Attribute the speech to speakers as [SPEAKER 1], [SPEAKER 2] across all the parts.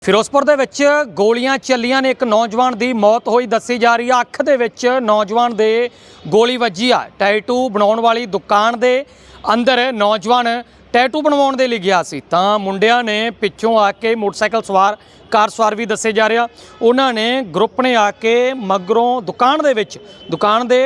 [SPEAKER 1] ਫਿਰੋਜ਼ਪੁਰ ਦੇ ਵਿੱਚ ਗੋਲੀਆਂ ਚੱਲੀਆਂ ਨੇ। ਇੱਕ ਨੌਜਵਾਨ ਦੀ ਮੌਤ ਹੋਈ ਦੱਸੀ ਜਾ ਰਹੀ ਆ। ਅੱਖ ਦੇ ਵਿੱਚ ਨੌਜਵਾਨ ਦੇ ਗੋਲੀ ਵੱਜੀ ਆ। ਟੈਟੂ ਬਣਾਉਣ ਵਾਲੀ ਦੁਕਾਨ ਦੇ ਅੰਦਰ ਨੌਜਵਾਨ ਟੈਟੂ ਬਣਵਾਉਣ ਦੇ ਲਈ ਗਿਆ ਸੀ ਤਾਂ ਮੁੰਡਿਆਂ ਨੇ ਪਿੱਛੋਂ ਆ ਕੇ ਮੋਟਰਸਾਈਕਲ ਸਵਾਰ ਕਾਰ ਸਵਾਰ ਵੀ ਦੱਸੇ ਜਾ ਰਿਹਾ, ਉਹਨਾਂ ਨੇ ਗਰੁੱਪ ਨੇ ਆ ਕੇ ਮਗਰੋਂ ਦੁਕਾਨ ਦੇ ਵਿੱਚ ਦੁਕਾਨ ਦੇ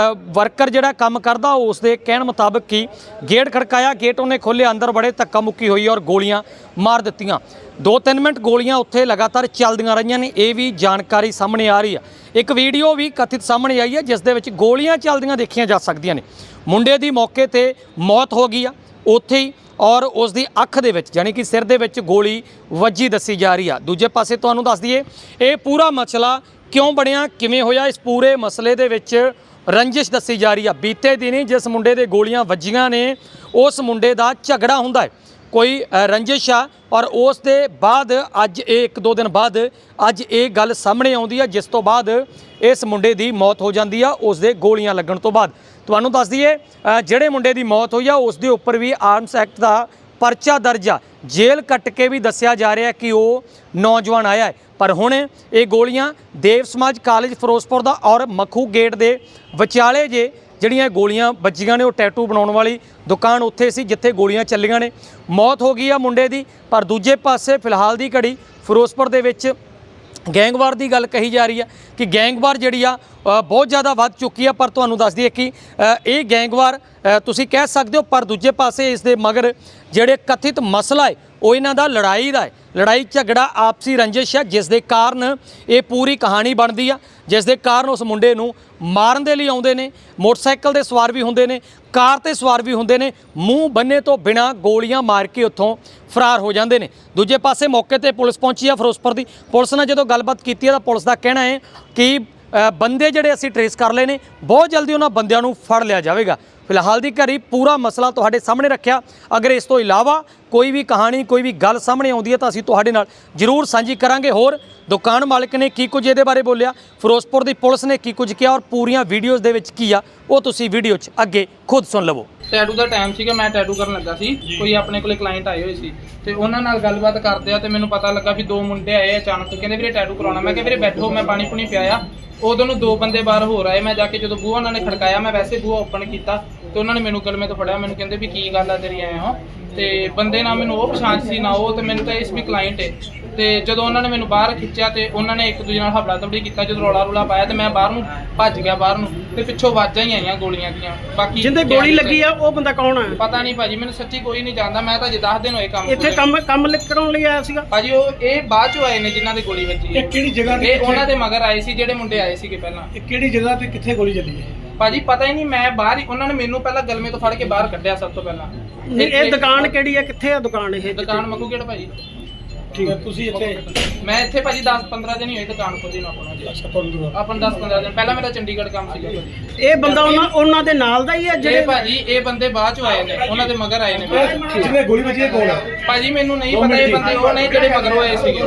[SPEAKER 1] ਵਰਕਰ ਜਿਹੜਾ ਕੰਮ ਕਰਦਾ ਉਸ ਦੇ ਕਹਿਣ ਮੁਤਾਬਕ ਕਿ ਗੇਟ ਖੜਕਾਇਆ, ਗੇਟ ਉਹਨੇ ਖੋਲ੍ਹਿਆ, ਅੰਦਰ ਬੜੇ ਧੱਕਾ ਮੁੱਕੀ ਹੋਈ ਔਰ ਗੋਲੀਆਂ ਮਾਰ ਦਿੱਤੀਆਂ। 2-3 ਮਿੰਟ ਗੋਲੀਆਂ ਉੱਥੇ ਲਗਾਤਾਰ ਚੱਲਦੀਆਂ ਰਹੀਆਂ ਨੇ, ਇਹ ਵੀ ਜਾਣਕਾਰੀ ਸਾਹਮਣੇ ਆ ਰਹੀ ਆ। ਇੱਕ ਵੀਡੀਓ ਵੀ ਕਥਿਤ ਸਾਹਮਣੇ ਆਈ ਹੈ ਜਿਸ ਦੇ ਵਿੱਚ ਗੋਲੀਆਂ ਚੱਲਦੀਆਂ ਦੇਖੀਆਂ ਜਾ ਸਕਦੀਆਂ ਨੇ। ਮੁੰਡੇ ਦੀ ਮੌਕੇ ਤੇ ਮੌਤ ਹੋ ਗਈ ਆ ਉੱਥੇ ਹੀ ਔਰ ਉਸ ਦੀ ਅੱਖ ਦੇ ਵਿੱਚ ਯਾਨੀ ਕਿ ਸਿਰ ਦੇ ਵਿੱਚ ਗੋਲੀ ਵੱਜੀ ਦੱਸੀ ਜਾ ਰਹੀ ਆ। ਦੂਜੇ ਪਾਸੇ ਤੁਹਾਨੂੰ ਦੱਸ ਦਈਏ ਇਹ ਪੂਰਾ ਮਸਲਾ ਕਿਉਂ ਬਣਿਆ, ਕਿਵੇਂ ਹੋਇਆ, ਇਸ ਪੂਰੇ ਮਸਲੇ ਦੇ ਵਿੱਚ ਰੰਜਿਸ਼ ਦੱਸੀ ਜਾ ਰਹੀ ਆ। ਬੀਤੇ ਦਿਨੀ ਜਿਸ ਮੁੰਡੇ ਦੇ ਗੋਲੀਆਂ ਵੱਜੀਆਂ ਨੇ ਉਸ ਮੁੰਡੇ ਦਾ ਝਗੜਾ ਹੁੰਦਾ ਹੈ, ਕੋਈ ਰੰਜਿਸ਼ ਆ ਔਰ ਉਸ ਦੇ ਬਾਅਦ ਅੱਜ ਇਹ 1-2 ਦਿਨ ਬਾਅਦ ਅੱਜ ਇਹ ਗੱਲ ਸਾਹਮਣੇ ਆਉਂਦੀ ਆ ਜਿਸ ਤੋਂ ਬਾਅਦ ਇਸ ਮੁੰਡੇ ਦੀ ਮੌਤ ਹੋ ਜਾਂਦੀ ਆ ਉਸ ਦੇ ਗੋਲੀਆਂ ਲੱਗਣ ਤੋਂ ਬਾਅਦ। ਤੁਹਾਨੂੰ ਦੱਸ ਦਈਏ ਜਿਹੜੇ ਮੁੰਡੇ ਦੀ ਮੌਤ ਹੋਈ ਆ ਉਸ ਦੇ ਉੱਪਰ ਵੀ ਆਰਮਸ ਐਕਟ ਦਾ ਪਰਚਾ ਦਰਜ ਆ। ਜੇਲ੍ਹ ਕੱਟ ਕੇ ਵੀ ਦੱਸਿਆ ਜਾ ਰਿਹਾ ਕਿ ਉਹ ਨੌਜਵਾਨ ਆਇਆ ਹੈ। ਪਰ ਹੁਣ ਇਹ ਗੋਲੀਆਂ ਦੇਵ ਸਮਾਜ ਕਾਲਜ ਫਿਰੋਜ਼ਪੁਰ ਦਾ ਔਰ ਮੱਖੂ ਗੇਟ ਦੇ ਵਿਚਾਲੇ ਜਿਹੜੀਆਂ ਗੋਲੀਆਂ ਵੱਜੀਆਂ ਨੇ ਉਹ ਟੈਟੂ ਬਣਾਉਣ ਵਾਲੀ ਦੁਕਾਨ ਉੱਥੇ ਸੀ ਜਿੱਥੇ ਗੋਲੀਆਂ ਚੱਲੀਆਂ ਨੇ। ਮੌਤ ਹੋ ਗਈ ਆ ਮੁੰਡੇ ਦੀ। ਪਰ ਦੂਜੇ ਪਾਸੇ ਫਿਲਹਾਲ ਦੀ ਘੜੀ ਫਿਰੋਜ਼ਪੁਰ ਦੇ ਵਿੱਚ ਗੈਂਗਵਾਰ ਦੀ ਗੱਲ ਕਹੀ ਜਾ ਰਹੀ ਹੈ ਕਿ ਗੈਂਗਵਾਰ ਜਿਹੜੀ ਆ ਬਹੁਤ ਜ਼ਿਆਦਾ ਵੱਧ ਚੁੱਕੀ ਆ। ਪਰ ਤੁਹਾਨੂੰ ਦੱਸ ਦਈਏ ਕਿ ਇਹ ਗੈਂਗਵਾਰ ਤੁਸੀਂ ਕਹਿ ਸਕਦੇ ਹੋ, ਪਰ ਦੂਜੇ ਪਾਸੇ ਇਸ ਦੇ ਮਗਰ ਜਿਹੜੇ ਕਥਿਤ ਮਸਲਾ ਹੈ ਉਹ ਇਹਨਾਂ ਦਾ ਲੜਾਈ ਦਾ ਹੈ। ਲੜਾਈ ਝਗੜਾ ਆਪਸੀ ਰੰਜਿਸ਼ ਹੈ ਜਿਸ ਦੇ ਕਾਰਨ ਇਹ ਪੂਰੀ ਕਹਾਣੀ ਬਣਦੀ ਆ, ਜਿਸ ਦੇ ਕਾਰਨ ਉਸ ਮੁੰਡੇ ਨੂੰ ਮਾਰਨ ਦੇ ਲਈ ਆਉਂਦੇ ਨੇ। ਮੋਟਰਸਾਈਕਲ ਦੇ ਸਵਾਰ ਵੀ ਹੁੰਦੇ ਨੇ, ਕਾਰ ਤੇ ਸਵਾਰ ਵੀ ਹੁੰਦੇ ਨੇ, ਮੂੰਹ ਬੰਨੇ ਤੋਂ ਬਿਨਾਂ ਗੋਲੀਆਂ ਮਾਰ ਕੇ ਉੱਥੋਂ ਫਰਾਰ ਹੋ ਜਾਂਦੇ ਨੇ। ਦੂਜੇ ਪਾਸੇ ਮੌਕੇ ਤੇ ਪੁਲਿਸ ਪਹੁੰਚੀ ਆ ਫਿਰੋਜ਼ਪੁਰ ਦੀ। ਪੁਲਿਸ ਨਾਲ ਜਦੋਂ ਗੱਲਬਾਤ ਕੀਤੀ ਹੈ ਤਾਂ ਪੁਲਿਸ ਦਾ ਕਹਿਣਾ ਹੈ ਕਿ ਬੰਦੇ ਜਿਹੜੇ ਅਸੀਂ ਟਰੇਸ ਕਰ ਲਏ ਨੇ, ਬਹੁਤ ਜਲਦੀ ਉਹਨਾਂ ਬੰਦਿਆਂ ਨੂੰ ਫੜ ਲਿਆ ਜਾਵੇਗਾ। ਫਿਲਹਾਲ ਦੀ ਘੜੀ ਪੂਰਾ ਮਸਲਾ ਤੁਹਾਡੇ ਸਾਹਮਣੇ ਰੱਖਿਆ। ਅਗਰ ਇਸ ਤੋਂ ਇਲਾਵਾ ਕੋਈ ਵੀ ਕਹਾਣੀ ਕੋਈ ਵੀ ਗੱਲ ਸਾਹਮਣੇ ਆਉਂਦੀ ਹੈ ਤਾਂ ਅਸੀਂ ਤੁਹਾਡੇ ਨਾਲ ਜ਼ਰੂਰ ਸਾਂਝੀ ਕਰਾਂਗੇ। ਹੋਰ ਦੁਕਾਨ ਮਾਲਕ ਨੇ ਕੀ ਕੁਝ ਇਹਦੇ ਬਾਰੇ ਬੋਲਿਆ, ਫਿਰੋਜ਼ਪੁਰ ਦੀ ਪੁਲਿਸ ਨੇ ਕੀ ਕੁਝ ਕਿਹਾ ਔਰ ਪੂਰੀਆਂ ਵੀਡੀਓਜ਼ ਦੇ ਵਿੱਚ ਕੀ ਆ ਉਹ ਤੁਸੀਂ ਵੀਡੀਓ 'ਚ ਅੱਗੇ ਖੁਦ ਸੁਣ ਲਵੋ।
[SPEAKER 2] ਟੈਟੂ ਦਾ ਟਾਈਮ ਸੀਗਾ, ਮੈਂ ਟੈਟੂ ਕਰਨ ਲੱਗਾ ਸੀ। ਕੋਈ ਆਪਣੇ ਕੋਲੇ ਕਲਾਇੰਟ ਆਏ ਹੋਏ ਸੀ ਤੇ ਉਹਨਾਂ ਨਾਲ ਗੱਲਬਾਤ ਕਰਦੇ ਆ ਤੇ ਮੈਨੂੰ ਪਤਾ ਲੱਗਾ ਵੀ 2 ਮੁੰਡੇ ਆਏ ਅਚਾਨਕ, ਕਹਿੰਦੇ ਵੀਰੇ ਟੈਟੂ ਕਰਾਉਣਾ। ਮੈਂ ਕਿਹਾ ਵੀਰੇ ਬੈਠੋ, ਮੈਂ ਪਾਣੀ ਪੂਣੀ ਪਿਆਇਆ। ਉਦੋਂ ਨੂੰ 2 ਬੰਦੇ ਬਾਹਰ ਹੋਰ ਆਏ। ਮੈਂ ਜਾ ਕੇ ਜਦੋਂ ਬੂਹਾ ਉਹਨਾਂ ਨੇ ਖੜਕਾਇਆ, ਮੈਂ ਵੈਸੇ ਬੂਹਾ ਓਪਨ ਕੀਤਾ ਤੇ ਉਹਨਾਂ ਨੇ ਮੈਨੂੰ ਗਲਮੇ ਤੋਂ ਫੜਿਆ। ਮੈਨੂੰ ਕਹਿੰਦੇ ਵੀ ਕੀ ਗੱਲ ਆ ਤੇਰੀ ਆਏ ਹੋ, ਤੇ ਬੰਦੇ ਨਾ ਮੈਨੂੰ ਉਹ ਪਛਾਣ ਸੀ ਨਾ ਉਹ, ਤੇ ਮੈਨੂੰ ਤਾਂ ਇਸ ਵੀ ਕਲਾਇੰਟ ਹੈ। ਤੇ ਜਦੋਂ ਉਹਨਾਂ ਨੇ ਮੈਨੂੰ ਬਾਹਰ ਖਿੱਚਿਆ ਤੇ ਉਹਨਾਂ ਨੇ ਇੱਕ ਦੂਜੇ ਨਾਲ ਹਫੜਾ ਤਫੜੀ ਕੀਤਾ। ਜਦੋਂ ਰੌਲਾ ਰੂਲਾ ਪਾਇਆ ਤੇ ਮੈਂ ਬਾਹਰ ਨੂੰ ਭੱਜ ਗਿਆ ਬਾਹਰ ਨੂੰ, ਤੇ ਪਿੱਛੋਂ ਆਵਾਜ਼ਾਂ ਹੀ ਆਈਆਂ ਗੋਲੀਆਂ ਦੀਆਂ। ਬਾਕੀ
[SPEAKER 3] ਜਿੰਦੇ ਗੋਲੀ ਲੱਗੀ ਆ ਉਹ ਬੰਦਾ ਕੌਣ ਆ?
[SPEAKER 2] ਪਤਾ ਨਹੀਂ ਭਾਜੀ, ਮੈਨੂੰ ਸੱਚੀ ਕੋਈ ਨਹੀਂ ਜਾਣਦਾ। ਮੈਂ ਤਾਂ ਜੇ 10 ਦਿਨ ਹੋਏ ਕੰਮ
[SPEAKER 3] ਇੱਥੇ ਕੰਮ ਕਰਾਉਣ ਲਈ ਆਇਆ ਸੀਗਾ
[SPEAKER 2] ਭਾਜੀ। ਉਹ ਇਹ ਬਾਅਦ ਚੋਂ ਆਏ ਨੇ ਜਿਨ੍ਹਾਂ ਦੇ ਗੋਲੀ ਵੱਜੀ ਹੈ।
[SPEAKER 3] ਇਹ ਕਿਹੜੀ ਜਗ੍ਹਾ ਤੇ?
[SPEAKER 2] ਇਹ ਉਹਨਾਂ ਦੇ ਮਗਰ ਆਏ ਸੀ ਜਿਹੜੇ ਮੁੰਡੇ ਆਏ ਸੀਗੇ ਪਹਿਲਾਂ।
[SPEAKER 3] ਇਹ ਕਿਹੜੀ ਜਗ੍ਹਾ ਤੇ ਕਿੱਥੇ ਗੋਲੀ ਚੱਲੀ ਹੈ
[SPEAKER 2] ਭਾਜੀ? ਪਤਾ ਹੀ ਨਹੀਂ, ਮੈਂ ਬਾਹਰ ਹੀ, ਉਹਨਾਂ ਨੇ ਮੈਨੂੰ ਪਹਿਲਾਂ ਗਲਮੇ ਤੋਂ ਫੜ ਕੇ ਬਾਹਰ ਕੱਢਿਆ ਸਭ ਤੋਂ ਪਹਿਲਾਂ।
[SPEAKER 3] ਇਹ ਦੁਕਾਨ ਕਿਹੜੀ ਆ, ਕਿੱਥੇ ਆ ਦੁਕਾਨ ਇਹ?
[SPEAKER 2] ਦੁਕਾਨ ਮੱਖੂ ਗੇਟ ਭਾਜੀ।
[SPEAKER 3] ਠੀਕ ਹੈ। ਤੁਸੀਂ ਇੱਥੇ?
[SPEAKER 2] ਮੈਂ ਇੱਥੇ ਭਾਜੀ 10-15 ਦਿਨ ਹੀ ਹੋਏ ਦੁਕਾਨ ਖੋਲੀ ਨੂੰ ਆਪਣਾ ਜੀ। ਆਪਾਂ 10-15 ਦਿਨ ਪਹਿਲਾਂ ਮੇਰਾ ਚੰਡੀਗੜ੍ਹ ਕੰਮ ਸੀਗਾ।
[SPEAKER 3] ਇਹ ਬੰਦਾ ਉਹਨਾਂ ਦੇ ਨਾਲ ਦਾ ਹੀ ਆ ਜਿਹੜੇ?
[SPEAKER 2] ਭਾਜੀ ਇਹ ਬੰਦੇ ਬਾਅਦ ਚ ਆਏ ਨੇ, ਉਹਨਾਂ ਦੇ ਮਗਰ ਆਏ ਨੇ।
[SPEAKER 3] ਜਿਹਨੇ ਗੋਲੀ ਵੱਜੀ ਹੈ ਕੌਣ ਆ
[SPEAKER 2] ਭਾਜੀ? ਮੈਨੂੰ ਨਹੀਂ ਪਤਾ, ਇਹ ਬੰਦੇ ਉਹ ਨੇ ਜਿਹੜੇ ਮਗਰੋਂ ਆਏ ਸੀਗੇ।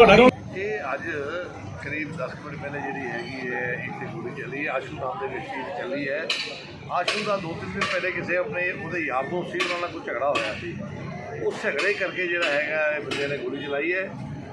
[SPEAKER 4] ਇਹ ਅੱਜ ਕਰੀਬ 10 ਮਿੰਟ ਪਹਿਲੇ ਜਿਹੜੀ ਹੈਗੀ ਹੈ ਇੱਥੇ ਗੋਲੀ ਚੱਲੀ ਹੈ ਆਸ਼ੂ ਨਾਮ ਦੇ ਵਿਅਕਤੀ ਦੀ ਚੱਲੀ ਹੈ। ਆਸ਼ੂ ਦਾ 2-3 ਦਿਨ ਪਹਿਲੇ ਕਿਸੇ ਆਪਣੇ ਉਹਦੇ ਯਾਰ ਦੋਸਤ ਸੀ, ਉਹਨਾਂ ਨਾਲ ਕੋਈ ਝਗੜਾ ਹੋਇਆ ਸੀ। ਉਸ ਝਗੜੇ ਕਰਕੇ ਜਿਹੜਾ ਹੈਗਾ ਇਹ ਬੰਦੇ ਨੇ ਗੋਲੀ ਚਲਾਈ ਹੈ।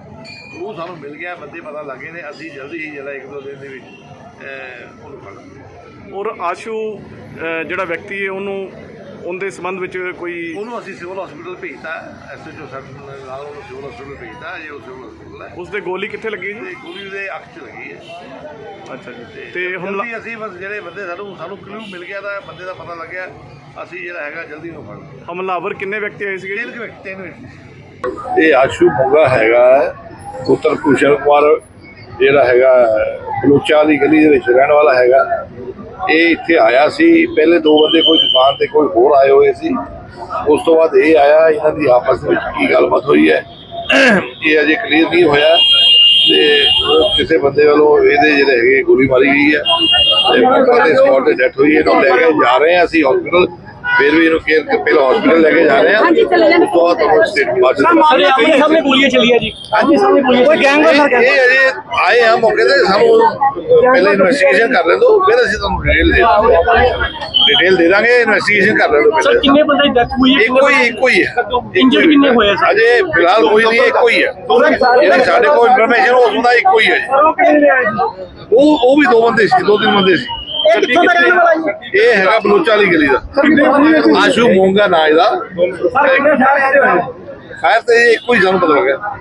[SPEAKER 4] ਉਹ ਸਾਨੂੰ ਮਿਲ ਗਿਆ, ਬੰਦੇ ਪਤਾ ਲੱਗੇ ਨੇ। ਅਸੀਂ ਜਲਦੀ ਹੀ ਜਿਹੜਾ 1-2 ਦਿਨ ਦੇ ਵਿੱਚ ਉਹਨੂੰ ਫੜ ਲਾਂਗੇ।
[SPEAKER 5] ਔਰ ਆਸ਼ੂ ਜਿਹੜਾ ਵਿਅਕਤੀ ਹੈ ਉਹਦੇ ਸੰਬੰਧ ਵਿੱਚ
[SPEAKER 4] ਉਹਨੂੰ ਅਸੀਂ ਸਿਵਲ ਹਸਪੀਟਲ ਭੇਜਤਾ। SHO ਸਾਡੇ ਨਾਲ ਉਹਨੂੰ ਸਿਵਲ ਹਸਪੀਟਲ ਭੇਜਤਾ। ਜੇ ਉਹ ਸਿਵਲ ਹਸਪੀਟਲ ਹੈ।
[SPEAKER 5] ਉਸਦੇ ਗੋਲੀ ਕਿੱਥੇ ਲੱਗੀ ਜੀ?
[SPEAKER 4] ਤੇ ਗੋਲੀ ਉਹਦੇ ਅੱਖ 'ਚ ਲੱਗੀ ਹੈ।
[SPEAKER 5] ਅੱਛਾ ਜੀ।
[SPEAKER 4] ਤੇ ਜਲਦੀ ਅਸੀਂ ਬਸ ਜਿਹੜੇ ਬੰਦੇ ਸਾਨੂੰ ਕਲੂ ਮਿਲ ਗਿਆ ਤਾਂ ਬੰਦੇ ਦਾ ਪਤਾ ਲੱਗਿਆ, ਅਸੀਂ ਜਿਹੜਾ ਹੈਗਾ ਜਲਦੀ ਨੂੰ ਫੜ ਲਿਆ।
[SPEAKER 5] ਹਮਲਾਵਰ ਕਿੰਨੇ ਵਿਅਕਤੀ ਆਏ ਸੀਗੇ?
[SPEAKER 4] 3 ਵਿਅਕਤੀ। ਇਹ ਆਸ਼ੂ ਮੋਗਾ ਹੈਗਾ ਪੁੱਤਰ ਕੁਸ਼ਲ ਕੁਮਾਰ, ਜਿਹੜਾ ਹੈਗਾ ਬਲੋਚਾ ਦੀ ਗਲੀ ਦੇ ਵਿੱਚ ਰਹਿਣ ਵਾਲਾ ਹੈਗਾ। ਇਹ ਇੱਥੇ ਆਇਆ ਸੀ। ਪਹਿਲੇ 2 ਬੰਦੇ ਕੋਈ ਦੁਕਾਨ ਤੇ ਕੋਈ ਹੋਰ ਆਏ ਹੋਏ ਸੀ। ਉਸ ਤੋਂ ਬਾਅਦ ਇਹ ਆਇਆ। ਇਹਨਾਂ ਦੀ ਆਪਸ ਵਿੱਚ ਕੀ ਗੱਲਬਾਤ ਹੋਈ ਹੈ ਇਹ ਅਜੇ ਕਲੀਅਰ ਨਹੀਂ ਹੋਇਆ। ਤੇ ਉਹ ਕਿਸੇ ਬੰਦੇ ਵੱਲੋਂ ਇਹਦੇ ਜਿਹੜੇ ਹੈਗੇ ਗੋਲੀ ਮਾਰੀ ਗਈ ਹੈ ਤੇ ਮੌਕੇ ਤੇ ਸਪੌਟ ਤੇ ਡੈਥ ਹੋਈ ਹੈ। ਇਹਨੂੰ ਲੈ ਕੇ ਜਾ ਰਹੇ ਹਾਂ ਅਸੀਂ ਹਸਪੀਟਲ। ਫਿਰ ਵੀ ਇਹਨੂੰ ਕੇਅਰ ਪਹਿਲਾਂ ਹਸਪੀਟਲ ਲੈ ਕੇ ਜਾ ਰਹੇ ਆ ਉਸ ਤੋਂ ਬਾਅਦ ਤੁਹਾਨੂੰ ਸਟੇਟ ਬਾਅਦ
[SPEAKER 3] ਆਪਣੇ ਸਾਹਮਣੇ ਗੋਲੀਆਂ ਚੱਲੀਆਂ ਜੀ ਆਪਣੇ ਸਾਹਮਣੇ ਗੋਲੀਆਂ ਕੋਈ ਗੈਂਗ
[SPEAKER 4] ਇਹ ਅਜੇ ਆਏ ਆ ਮੌਕੇ ਤੇ ਸਾਨੂੰ ਪਹਿਲੇ ਇਨਵੈਸਟੀਗੇਸ਼ਨ ਕਰ ਲੈਣ ਦਿਓ ਫਿਰ ਅਸੀਂ ਤੁਹਾਨੂੰ ਡਿਟੇਲ ਦੇ ਦਾਂਗੇ ਇਨਵੈਸਟੀਗੇਸ਼ਨ ਕਰ ਲੈਣ ਦਿਓ
[SPEAKER 3] ਸਰ ਕਿੰਨੇ ਬੰਦੇ ਦੀ ਡੈਥ ਹੋਈ ਹੈ
[SPEAKER 4] ਇੱਕੋ ਹੀ ਹੈ
[SPEAKER 3] ਇੰਜਰਡ ਕਿੰਨੇ ਹੋਏ ਸਰ
[SPEAKER 4] ਅਜੇ ਫਿਲਹਾਲ ਕੋਈ ਨਹੀਂ ਇੱਕੋ ਹੀ ਹੈ ਜਿਹੜੀ ਸਾਡੇ ਕੋਲ ਇਨਫੋਰਮੇਸ਼ਨ ਉਸ ਦਾ ਇੱਕੋ ਹੀ ਹੈ
[SPEAKER 3] ਉਹ ਕਿਹਨੇ ਆਏ ਸੀ
[SPEAKER 4] ਉਹ ਵੀ 2 ਬੰਦੇ ਸੀ 2-3 ਬੰਦੇ ਸੀ
[SPEAKER 3] ਇਹ ਕਿੱਥੋਂ ਦਾ ਰਹਿਣ ਵਾਲਾ ਜੀ
[SPEAKER 4] ਇਹ ਹੈਗਾ ਬਲੋਚਾ ਵਾਲੀ ਗਲੀ ਦਾ ਆਸ਼ੂ ਮੋਂਗਾ ਨਾਂ ਇਹਦਾ
[SPEAKER 3] ਸਰ ਕਿੰਨੇ ਸਾਰੇ ਆਏ ਹੋਏ
[SPEAKER 4] ਖੈਰ ਤੇ ਇਹ ਇੱਕੋ ਹੀ ਸਾਨੂੰ ਪਤਾ ਲੱਗਿਆ